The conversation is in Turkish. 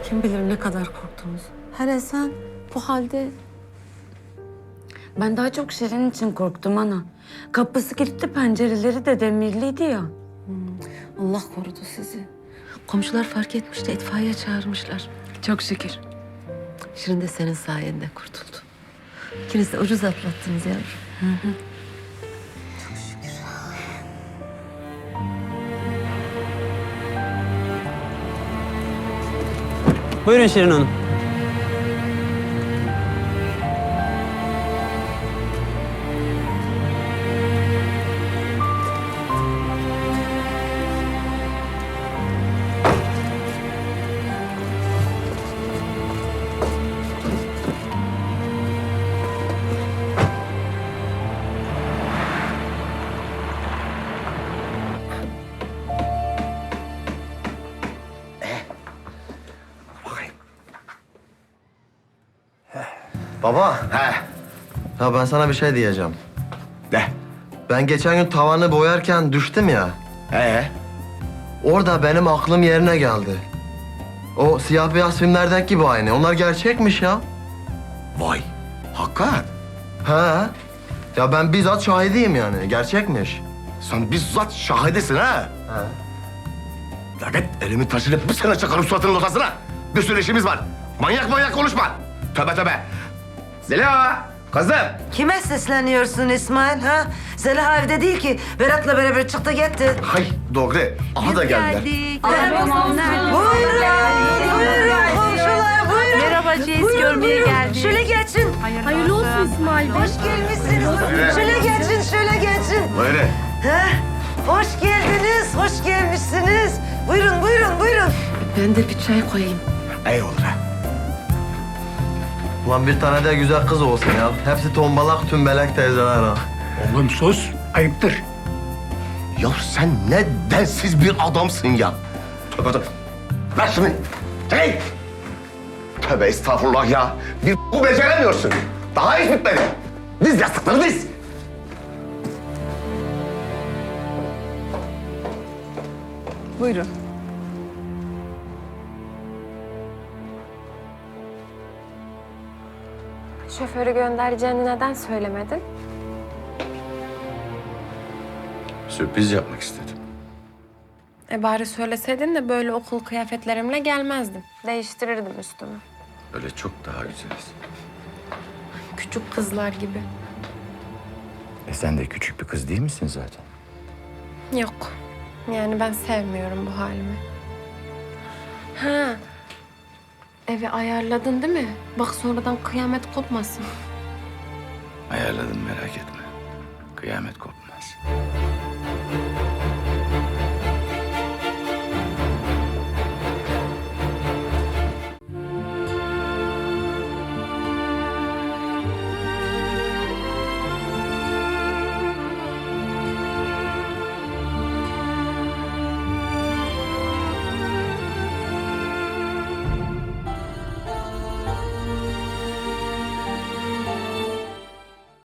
Kim bilir ne kadar korktunuz. Hele sen bu halde... Ben daha çok Şirin için korktum ana. Kapısı kilitli, pencereleri de demirliydi ya. Allah korudu sizi. Komşular fark etmiş de itfaiye çağırmışlar. Çok şükür. Şirin de senin sayende kurtuldu. İkiniz de ucuz atlattınız yavrum. Buyurun Şirin Hanım. Baba, He. ya ben sana bir şey diyeceğim. De. Ben geçen gün tavanı boyarken düştüm ya. Orada benim aklım yerine geldi. O siyah beyaz filmlerdeki gibi aynı. Onlar gerçekmiş ya. Vay. Hakikat. He. Ya ben bizzat şahidiyim yani. Gerçekmiş. Sen bizzat şahidesin ha. He. Lanet elimi taşıyıp bir sene çakarım suratının ortasına. Bir sürü işimiz var. Manyak manyak konuşma. Tövbe tövbe. Zeliha, kızım. Kime sesleniyorsun İsmail ha? Zeliha evde değil ki. Berat'la beraber çıktı gitti. Hay doğru. Aha da geldiler. Buyurun komşular buyurun. Merhaba Ceyiz, görmeye geldik. Şöyle geçin. Hayırlı olsun İsmail Bey. Hoş gelmişsiniz. Şöyle geçin. Buyurun. Ha? Hoş geldiniz, hoş gelmişsiniz. Buyurun. Ben de bir çay koyayım. İyi olur ha. Ulan bir tane de güzel kız olsun ya. Hepsi tombalak tümbelek teyzeler ha. Oğlum sus, ayıptır. Ya sen ne densiz bir adamsın ya. Tövbe tövbe. Ver şunu. Hey. Tövbe estağfurullah ya. Bir bu beceremiyorsun. Daha hiç bitmedi. Diz yastıkları diz. Buyurun. Şoförü göndereceğini neden söylemedin? Sürpriz yapmak istedim. Bari söyleseydin de böyle okul kıyafetlerimle gelmezdim. Değiştirirdim üstümü. Öyle çok daha güzeliz. Küçük kızlar gibi. Sen de küçük bir kız değil misin zaten? Yok. Yani ben sevmiyorum bu halimi. Ha. Evi ayarladın değil mi? Bak sonradan kıyamet kopmasın. Ayarladım merak etme. Kıyamet kopmaz.